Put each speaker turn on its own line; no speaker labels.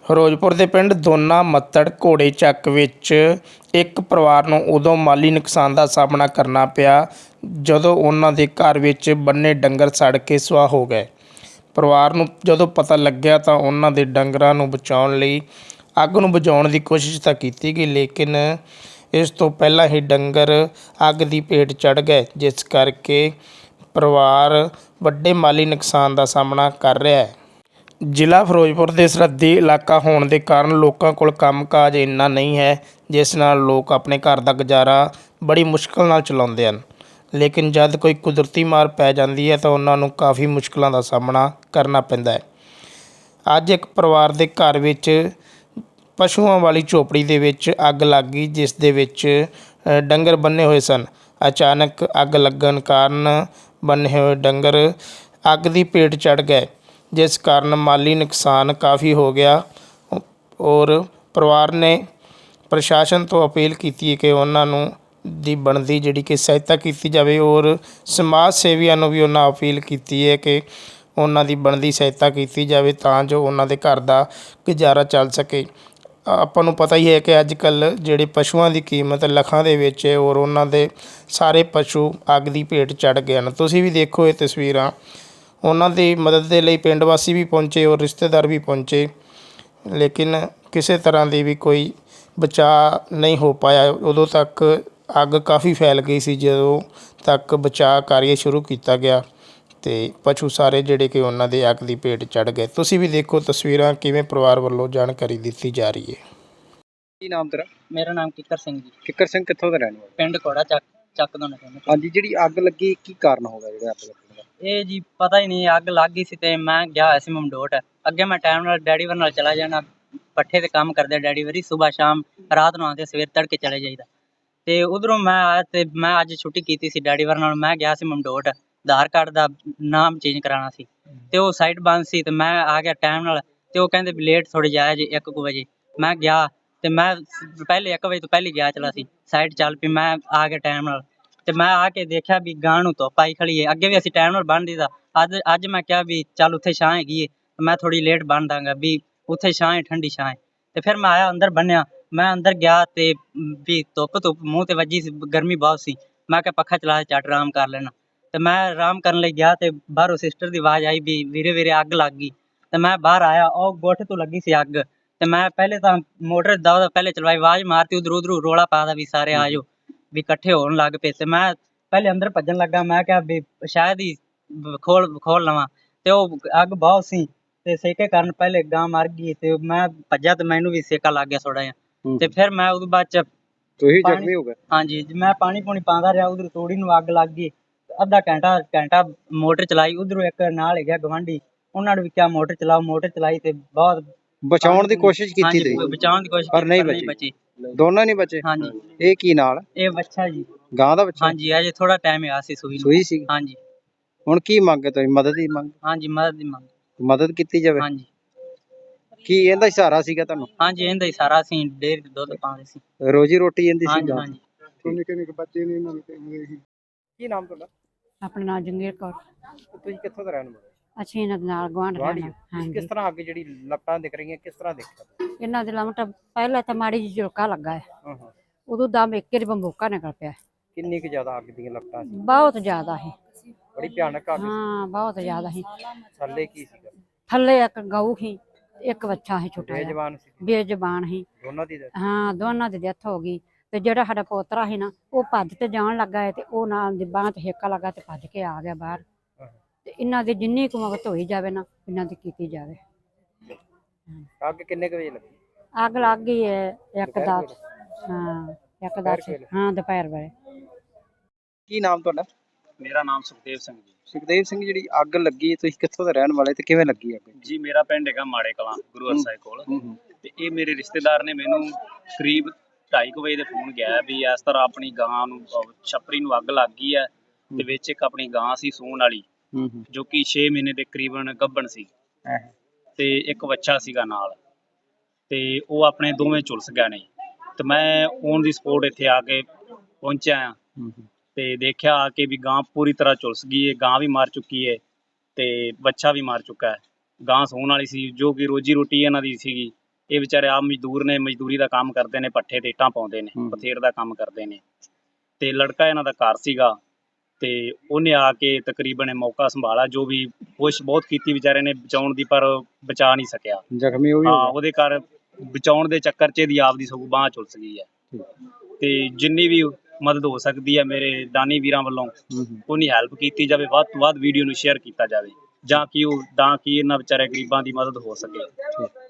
ਫਿਰੋਜ਼ਪੁਰ ਦੇ ਪਿੰਡ ਦੋਨਾ ਮੱਤੜ ਘੋੜੇ ਚੱਕ ਵਿੱਚ ਇੱਕ ਪਰਿਵਾਰ ਨੂੰ ਉਦੋਂ ਮਾਲੀ ਨੁਕਸਾਨ ਦਾ ਸਾਹਮਣਾ ਕਰਨਾ ਪਿਆ ਜਦੋਂ ਉਹਨਾਂ ਦੇ ਘਰ ਵਿੱਚ ਬੰਨੇ ਡੰਗਰ ਸੜ ਕੇ ਸੁਆਹ ਹੋ ਗਏ। ਪਰਿਵਾਰ ਨੂੰ ਜਦੋਂ ਪਤਾ ਲੱਗਿਆ ਤਾਂ ਉਹਨਾਂ ਦੇ ਡੰਗਰਾਂ ਨੂੰ ਬਚਾਉਣ ਲਈ ਅੱਗ ਨੂੰ ਬੁਝਾਉਣ ਦੀ ਕੋਸ਼ਿਸ਼ ਤਾਂ ਕੀਤੀ ਗਈ, ਲੇਕਿਨ ਇਸ ਤੋਂ ਪਹਿਲਾਂ ਹੀ ਡੰਗਰ ਅੱਗ ਦੀ ਭੇਟ ਚੜ੍ਹ ਗਏ, ਜਿਸ ਕਰਕੇ ਪਰਿਵਾਰ ਵੱਡੇ ਮਾਲੀ ਨੁਕਸਾਨ ਦਾ ਸਾਹਮਣਾ ਕਰ ਰਿਹਾ ਹੈ। ਜ਼ਿਲ੍ਹਾ ਫਿਰੋਜ਼ਪੁਰ ਦੇ ਸਰਹੱਦੀ ਇਲਾਕਾ ਹੋਣ ਦੇ ਕਾਰਨ ਲੋਕਾਂ ਕੋਲ ਕੰਮਕਾਜ ਇੰਨਾ ਨਹੀਂ ਹੈ, ਜਿਸ ਨਾਲ ਲੋਕ ਆਪਣੇ ਘਰ ਦਾ ਗੁਜ਼ਾਰਾ ਬੜੀ ਮੁਸ਼ਕਿਲ ਨਾਲ ਚਲਾਉਂਦੇ ਹਨ। ਲੇਕਿਨ ਜਦ ਕੋਈ ਕੁਦਰਤੀ ਮਾਰ ਪੈ ਜਾਂਦੀ ਹੈ ਤਾਂ ਉਹਨਾਂ ਨੂੰ ਕਾਫੀ ਮੁਸ਼ਕਿਲਾਂ ਦਾ ਸਾਹਮਣਾ ਕਰਨਾ ਪੈਂਦਾ ਹੈ। ਅੱਜ ਇੱਕ ਪਰਿਵਾਰ ਦੇ ਘਰ ਵਿੱਚ ਪਸ਼ੂਆਂ ਵਾਲੀ ਝੋਪੜੀ ਦੇ ਵਿੱਚ ਅੱਗ ਲੱਗ ਗਈ, ਜਿਸ ਦੇ ਵਿੱਚ ਡੰਗਰ ਬੰਨੇ ਹੋਏ ਸਨ। ਅਚਾਨਕ ਅੱਗ ਲੱਗਣ ਕਾਰਨ ਬੰਨੇ ਹੋਏ ਡੰਗਰ ਅੱਗ ਦੀ ਭੇਟ ਚੜ੍ਹ ਗਏ, ਜਿਸ ਕਾਰਨ ਮਾਲੀ ਨੁਕਸਾਨ ਕਾਫੀ ਹੋ ਗਿਆ। ਔਰ ਪਰਿਵਾਰ ਨੇ ਪ੍ਰਸ਼ਾਸਨ ਤੋਂ ਅਪੀਲ ਕੀਤੀ ਹੈ ਕਿ ਉਹਨਾਂ ਨੂੰ ਦੀ ਬਣਦੀ ਜਿਹੜੀ ਕਿ ਸਹਾਇਤਾ ਕੀਤੀ ਜਾਵੇ, ਔਰ ਸਮਾਜ ਸੇਵੀਆਂ ਨੂੰ ਵੀ ਉਹਨਾਂ ਅਪੀਲ ਕੀਤੀ ਹੈ ਕਿ ਉਹਨਾਂ ਦੀ ਬਣਦੀ ਸਹਾਇਤਾ ਕੀਤੀ ਜਾਵੇ ਤਾਂ ਜੋ ਉਹਨਾਂ ਦੇ ਘਰ ਦਾ ਗੁਜ਼ਾਰਾ ਚੱਲ ਸਕੇ। ਆਪਾਂ ਨੂੰ ਪਤਾ ਹੀ ਹੈ ਕਿ ਅੱਜ ਕੱਲ੍ਹ ਜਿਹੜੇ ਪਸ਼ੂਆਂ ਦੀ ਕੀਮਤ ਲੱਖਾਂ ਦੇ ਵਿੱਚ ਹੈ, ਔਰ ਉਹਨਾਂ ਦੇ ਸਾਰੇ ਪਸ਼ੂ ਅੱਗ ਦੀ ਭੇਟ ਚੜ੍ਹ ਗਏ ਹਨ। ਤੁਸੀਂ ਵੀ ਦੇਖੋ ਇਹ ਤਸਵੀਰਾਂ। ਉਹਨਾਂ ਦੀ ਮਦਦ ਦੇ ਲਈ ਪਿੰਡ ਵਾਸੀ ਵੀ ਪਹੁੰਚੇ ਔਰ ਰਿਸ਼ਤੇਦਾਰ ਵੀ ਪਹੁੰਚੇ, ਲੇਕਿਨ ਕਿਸੇ ਤਰ੍ਹਾਂ ਦੀ ਵੀ ਕੋਈ ਬਚਾਅ ਨਹੀਂ ਹੋ ਪਾਇਆ। ਉਦੋਂ ਤੱਕ ਅੱਗ ਕਾਫੀ ਫੈਲ ਗਈ ਸੀ ਜਦੋਂ ਤੱਕ ਬਚਾਅ ਕਾਰਜ ਸ਼ੁਰੂ ਕੀਤਾ ਗਿਆ ਅਤੇ ਪਸ਼ੂ ਸਾਰੇ ਜਿਹੜੇ ਕਿ ਉਹਨਾਂ ਦੇ ਅੱਗ ਦੀ ਭੇਟ ਚੜ੍ਹ ਗਏ। ਤੁਸੀਂ ਵੀ ਦੇਖੋ ਤਸਵੀਰਾਂ ਕਿਵੇਂ ਪਰਿਵਾਰ ਵੱਲੋਂ ਜਾਣਕਾਰੀ ਦਿੱਤੀ ਜਾ ਰਹੀ ਹੈ।
ਕੀ ਨਾਮ ਤੇਰਾ?
ਮੇਰਾ ਨਾਮ ਕਿੱਕਰ ਸਿੰਘ ਜੀ।
ਕਿੱਕਰ ਸਿੰਘ ਕਿੱਥੋਂ ਦਾ ਰਹਿਣ ਵਾਲਾ?
ਪਿੰਡ ਘੋੜਾ ਚੱਕ ਦੋਨਾ ਕਹਿੰਦੇ।
ਹਾਂਜੀ, ਜਿਹੜੀ ਅੱਗ ਲੱਗੀ ਕੀ ਕਾਰਨ ਹੋਗਾ ਜਿਹੜਾ ਅੱਗ ਲੱਗਣ ਦਾ?
ਇਹ ਜੀ ਪਤਾ ਹੀ ਨਹੀਂ, ਅੱਗ ਲੱਗ ਗਈ ਸੀ ਤੇ ਮੈਂ ਗਿਆ ਹੋਇਆ ਸੀ ਮਮਡੋਟ। ਅੱਗੇ ਮੈਂ ਟਾਈਮ ਨਾਲ ਡੈਡੀ ਵਰ ਨਾਲ ਚਲਾ ਜਾਣਾ, ਪੱਠੇ ਤੇ ਕੰਮ ਕਰਦੇ ਡੈਡੀ ਵਰੀ, ਸੁਬਾਹ ਸ਼ਾਮ ਰਾਤ ਨੂੰ ਆਉਂਦੇ, ਸਵੇਰ ਤੜਕੇ ਚਲੇ ਜਾਈਦਾ। ਤੇ ਉਧਰੋਂ ਮੈਂ ਆਇਆ ਤੇ ਮੈਂ ਅੱਜ ਛੁੱਟੀ ਕੀਤੀ ਸੀ ਡੈਡੀ ਵਰ ਨਾਲ। ਮੈਂ ਗਿਆ ਸੀ ਮਮਡੋਟ, ਆਧਾਰ ਕਾਰਡ ਦਾ ਨਾਮ ਚੇਂਜ ਕਰਾਉਣਾ ਸੀ ਤੇ ਉਹ ਸਾਈਟ ਬੰਦ ਸੀ ਤੇ ਮੈਂ ਆ ਗਿਆ ਟਾਈਮ ਨਾਲ। ਤੇ ਉਹ ਕਹਿੰਦੇ ਵੀ ਲੇਟ ਥੋੜੀ ਜਾਇਆ ਜੀ 1 ਵਜੇ। ਮੈਂ ਗਿਆ ਤੇ ਮੈਂ ਪਹਿਲੇ 1 ਵਜੇ ਤੋਂ ਪਹਿਲੇ ਗਿਆ ਚਲਾ ਸੀ, ਸਾਈਟ ਚੱਲ ਪਈ। ਮੈਂ ਆ ਗਿਆ ਟਾਈਮ ਨਾਲ ਤੇ ਮੈਂ ਆ ਕੇ ਦੇਖਿਆ ਵੀ ਗਾਂ ਨੂੰ ਧੁੱਪ ਆਈ ਖੜੀ ਹੈ। ਅੱਗੇ ਵੀ ਅਸੀਂ ਟਾਈਮ ਨਾਲ ਬੰਨ ਦਿੱਤਾ। ਅੱਜ ਮੈਂ ਕਿਹਾ ਵੀ ਚੱਲ ਉੱਥੇ ਛਾਂ ਹੈਗੀ ਹੈ, ਮੈਂ ਥੋੜੀ ਲੇਟ ਬੰਨ ਦਾਂਗਾ ਵੀ ਉੱਥੇ ਛਾਂ ਹੈ, ਠੰਡੀ ਛਾਂ ਹੈ। ਤੇ ਫਿਰ ਮੈਂ ਆਇਆ ਅੰਦਰ ਬੰਨਿਆ। ਮੈਂ ਅੰਦਰ ਗਿਆ ਤੇ ਵੀ ਧੁੱਪ ਮੂੰਹ ਤੇ ਵੱਜੀ ਸੀ, ਗਰਮੀ ਬਹੁਤ ਸੀ। ਮੈਂ ਕਿਹਾ ਪੱਖਾ ਚਲਾ ਕੇ ਝੱਟ ਆਰਾਮ ਕਰ ਲੈਣਾ। ਤੇ ਮੈਂ ਆਰਾਮ ਕਰਨ ਲਈ ਗਿਆ ਤੇ ਬਾਹਰੋਂ ਸਿਸਟਰ ਦੀ ਆਵਾਜ਼ ਆਈ ਵੀ ਵੀਰੇ ਵੀਰੇ ਅੱਗ ਲੱਗ ਗਈ। ਤੇ ਮੈਂ ਬਾਹਰ ਆਇਆ, ਉਹ ਗੋਠ ਤੋਂ ਲੱਗੀ ਸੀ ਅੱਗ। ਤੇ ਮੈਂ ਪਹਿਲੇ ਤਾਂ ਮੋਟਰ ਦਾ ਪਹਿਲੇ ਚਲਵਾਈ, ਆਵਾਜ਼ ਮਾਰਤੀ ਉਧਰੋਂ ਰੌਲਾ ਪਾ ਦਾ ਵੀ ਸਾਰੇ ਆ ਜਾਓ, ਵੀ ਇਕੱਠੇ ਹੋਣ ਲੱਗ ਪਏ। ਤੇ ਮੈਂ ਪਹਿਲੇ ਅੰਦਰ ਭੱਜਣ ਲੱਗਾ, ਮੈਂ ਕਿਹਾ ਵੀ ਸ਼ਾਇਦ ਹੀ ਖੋਲ ਲਵਾਂ। ਤੇ ਉਹ ਅੱਗ ਬਹੁਤ ਸੀ ਤੇ ਸੇਕੇ ਕਾਰਨ ਪਹਿਲੇ ਗਾਂ ਮਰ ਗਈ ਤੇ ਮੈਂ ਭੱਜਿਆ ਤੇ ਮੈਨੂੰ ਵੀ ਸੇਕਾ ਲੱਗ ਗਿਆ ਥੋੜਾ ਜਿਹਾ। ਤੇ ਫਿਰ ਮੈਂ ਉਹਦੇ ਬਾਅਦ ਚ
ਤੁਸੀਂ ਜ਼ਖਮੀ ਹੋ ਗਏ?
ਹਾਂਜੀ, ਮੈਂ ਪਾਣੀ ਪੂਣੀ ਪਾਉਂਦਾ ਰਿਹਾ। ਉਧਰ ਤੋੜੀ ਨੂੰ ਅੱਗ ਲੱਗ ਗਈ। ਅੱਧਾ ਘੰਟਾ ਮੋਟਰ ਚਲਾਈ। ਉਧਰੋਂ ਇੱਕ ਨਾਲ ਹੈਗਾ ਗਵਾਂਢੀ, ਉਹਨਾਂ ਨੇ ਵੀ ਕਿਹਾ ਮੋਟਰ ਚਲਾਓ। ਮੋਟਰ ਚਲਾਈ ਤੇ ਬਹੁਤ
ਬਚਾਉਣ ਦੀ ਕੋਸ਼ਿਸ਼ ਕੀਤੀ ਤੁਸੀਂ?
ਬਚਾਉਣ ਦੀ ਕੋਸ਼ਿਸ਼
ਪਰ ਨਹੀਂ
ਬਚੀ।
ਦੋਨੋਂ ਨਹੀਂ ਬਚੇ?
ਹਾਂਜੀ।
ਇਹ ਕੀ ਨਾਲ?
ਇਹ ਬੱਚਾ ਜੀ,
ਗਾਂ ਦਾ ਬੱਚਾ?
ਹਾਂਜੀ, ਅਜੇ ਥੋੜਾ ਟਾਈਮ ਆ ਸੀ ਸੂਈ
ਸੀ।
ਹਾਂਜੀ।
ਹੁਣ ਕੀ ਮੰਗ ਹੈ ਤੁਸੀਂ? ਮਦਦ ਦੀ ਮੰਗ?
ਹਾਂਜੀ, ਮਦਦ ਦੀ ਮੰਗ।
ਮਦਦ ਕੀਤੀ ਜਾਵੇ?
ਹਾਂਜੀ।
ਕੀ ਇਹਦਾ ਸਹਾਰਾ ਸੀਗਾ ਤੁਹਾਨੂੰ?
ਹਾਂਜੀ, ਇਹਦਾ ਹੀ ਸਾਰਾ ਅਸੀਂ ਡੇਅਰੀ ਤੇ ਦੁੱਧ ਪਾਉਂਦੇ ਸੀ,
ਰੋਜੀ ਰੋਟੀ ਇਹਦੀ ਸੀ?
ਹਾਂਜੀ ਹਾਂਜੀ।
ਨਿੱਕੇ ਬੱਚੇ ਨੇ ਇਹਨਾਂ ਨੂੰ। ਕੀ ਨਾਮ ਤੁਹਾਡਾ?
ਆਪਣਾ ਨਾਮ ਜੰਗੀਰ ਕੌਰ।
ਤੁਸੀਂ ਕਿੱਥੋਂ ਦਾ ਰਹਿਣ ਵਾਲੇ?
ਅਸੀਂ ਇਹਨਾਂ ਦੇ ਨਾਲ ਗੁਆਂਢ ਰਹਿਣਾ।
ਕਿਸ
ਹਾਂਜੀ,
ਤਰ੍ਹਾਂ ਅੱਗ ਜਿਹੜੀ ਲੱਪਾਂ ਦਿਖ ਰਹੀਆਂ ਕਿਸ ਤਰ੍ਹਾਂ ਦੇਖਿਆ?
ਇਹਨਾਂ ਦੇ ਲਮਟ ਪਹਿਲਾਂ ਤਾਂ ਮਾੜੀ ਜਿਹੀ ਝੁਲਕਾ ਲੱਗਾ ਹੈ,
ਹਾਂ।
ਉਦੋਂ ਦਮ ਇੱਕ ਹੀ ਬੰਬੋਕਾ ਨਿਕਲ ਪਿਆ।
ਕਿੰਨੀ ਕੁ ਜ਼ਿਆਦਾ ਅੱਗ ਦੀਆਂ ਲੱਪਾਂ ਸੀ?
ਬਹੁਤ ਜ਼ਿਆਦਾ ਹੈ।
ਬੜੀ ਭਿਆਨਕ ਅੱਗ ਸੀ?
ਹਾਂ, ਬਹੁਤ ਜ਼ਿਆਦਾ ਹੈ।
ਥੱਲੇ ਕੀ ਸੀਗਾ?
ਥੱਲੇ ਇੱਕ ਗਊ ਸੀ, ਇੱਕ ਬੱਚਾ ਸੀ ਛੋਟਾ ਜਿਹਾ,
ਬੇਜ਼ਬਾਨ ਸੀ?
ਬੇਜ਼ਬਾਨ ਸੀ।
ਦੋਨਾਂ ਦੀ?
ਹਾਂ, ਦੋਨਾਂ ਦੀ ਡੈਥ ਹੋ ਗਈ। ਤੇ ਜਿਹੜਾ ਸਾਡਾ ਪੋਤਰਾ ਸੀ ਨਾ, ਉਹ ਭੱਜ ਤੇ ਜਾਣ ਲੱਗਾ ਹੈ ਤੇ ਉਹ ਨਾਲ ਦੀ ਬਾਂਹ ਤੇ ਹੇਕਾ ਲੱਗਾ ਤੇ ਭੱਜ ਕੇ ਆ ਗਿਆ ਬਾਹਰ। ਤੇ ਇਹਨਾਂ ਦੀ ਜਿੰਨੀ ਕੁ ਮਦਦ ਹੋਈ ਜਾਵੇ ਨਾ, ਇਹਨਾਂ ਦੀ ਕੀਤੀ ਜਾਵੇ।
ਅੱਗ ਕਿੰਨੇ ਕੁ ਵਜੇ ਲੱਗੀ?
ਅੱਗ ਲੱਗ ਗਈ ਹੈ 1:10। ਹਾਂ, 1:10। ਹਾਂ, ਦੁਪਹਿਰ ਵੇਲੇ।
ਕੀ ਨਾਮ ਤੁਹਾਡਾ?
ਮੇਰਾ ਨਾਮ ਸੁਖਦੇਵ ਸਿੰਘ ਜੀ।
ਸੁਖਦੇਵ ਸਿੰਘ, ਜਿਹੜੀ ਅੱਗ ਲੱਗੀ ਤੁਸੀਂ ਕਿੱਥੋਂ ਦੇ ਰਹਿਣ ਵਾਲੇ ਤੇ ਕਿਵੇਂ ਲੱਗੀ ਅੱਗ?
ਜੀ ਮੇਰਾ ਪਿੰਡ ਹੈਗਾ ਮਾੜੇ ਕਲਾਂ, ਗੁਰੂ ਹਰਸਾਏ ਕੋਲ। ਤੇ ਇਹ ਮੇਰੇ ਰਿਸ਼ਤੇਦਾਰ ਨੇ ਮੈਨੂੰ ਕਰੀਬ 2:30 ਵਜੇ ਦੇ ਫੋਨ ਗਿਆ ਵੀ ਇਸ ਤਰ੍ਹਾਂ ਆਪਣੀ ਗਾਂ ਨੂੰ ਛੱਪਰੀ ਨੂੰ ਅੱਗ ਲੱਗ ਗਈ ਹੈ ਤੇ ਵਿੱਚ ਇੱਕ ਆਪਣੀ ਗਾਂ ਸੀ ਸੂਣ ਵਾਲੀ, ਜੋ ਕਿ 6 ਮਹੀਨੇ ਦੇ ਕਰੀਬਨ ਗੱਭਣ ਸੀ ਤੇ ਇੱਕ ਬੱਚਾ ਸੀਗਾ ਨਾਲ, ਤੇ ਉਹ ਆਪਣੇ ਦੋਵੇਂ ਝੁਲਸ ਗਏ ਨੇ। ਤੇ ਮੈਂ ਔਨ ਦੀ ਸਪੋਟ ਇੱਥੇ ਆ ਕੇ ਪਹੁੰਚਿਆ ਆ ਤੇ ਦੇਖਿਆ ਆ ਕੇ ਵੀ ਗਾਂ ਪੂਰੀ ਤਰ੍ਹਾਂ ਝੁਲਸ ਗਈ ਹੈ। ਗਾਂ ਵੀ ਮਰ ਚੁੱਕੀ ਹੈ ਤੇ ਬੱਚਾ ਵੀ ਮਰ ਚੁੱਕਾ ਹੈ। ਗਾਂ ਸੂਣ ਵਾਲੀ ਸੀ, ਜੋ ਕਿ ਰੋਜੀ ਰੋਟੀ ਇਹਨਾਂ ਦੀ ਸੀਗੀ, ਇਹ ਵਿਚਾਰੇ ਆਪ ਮਜ਼ਦੂਰ ਨੇ, ਮਜ਼ਦੂਰੀ ਦਾ ਕੰਮ ਕਰਦੇ ਨੇ, ਪੱਠੇ ਤੇ ਇੱਟਾਂ ਪਾਉਂਦੇ ਨੇ, ਬਥੇਰ ਦਾ ਕੰਮ ਕਰਦੇ ਨੇ। ਤੇ ਲੜਕਾ ਇਹਨਾਂ ਦਾ ਘਰ ਸੀਗਾ ਤੇ ਉਹਨੇ ਆ ਕੇ ਤਕਰੀਬਨ ਇਹ ਮੌਕਾ ਸੰਭਾਲਾ, ਜੋ ਵੀ ਕੋਸ਼ਿਸ਼ ਬਹੁਤ ਕੀਤੀ ਵਿਚਾਰੇ ਨੇ ਬਚਾਉਣ ਦੀ, ਪਰ ਬਚਾ ਨਹੀਂ ਸਕਿਆ।
ਜ਼ਖਮੀ ਉਹ ਵੀ
ਹਾਂ,
ਹੋ
ਉਹਦੇ ਘਰ ਬਚਾਉਣ ਦੇ ਚੱਕਰ 'ਚ ਇਹਦੀ ਆਪਦੀ ਸਗੋਂ ਬਾਂਹ ਝੁਲਸ ਗਈ ਹੈ। ਤੇ ਜਿੰਨੀ ਵੀ ਮਦਦ ਹੋ ਸਕਦੀ ਹੈ ਮੇਰੇ ਦਾਨੀ ਵੀਰਾਂ ਵੱਲੋਂ ਉਹਨੀ ਹੈਲਪ ਕੀਤੀ ਜਾਵੇ, ਵੱਧ ਤੋਂ ਵੱਧ ਵੀਡੀਓ ਨੂੰ ਸ਼ੇਅਰ ਕੀਤਾ ਜਾਵੇ, ਜਾਂ ਕਿ ਇਹਨਾਂ ਵਿਚਾਰੇ ਗਰੀਬਾਂ ਦੀ ਮਦਦ ਹੋ ਸਕੇ।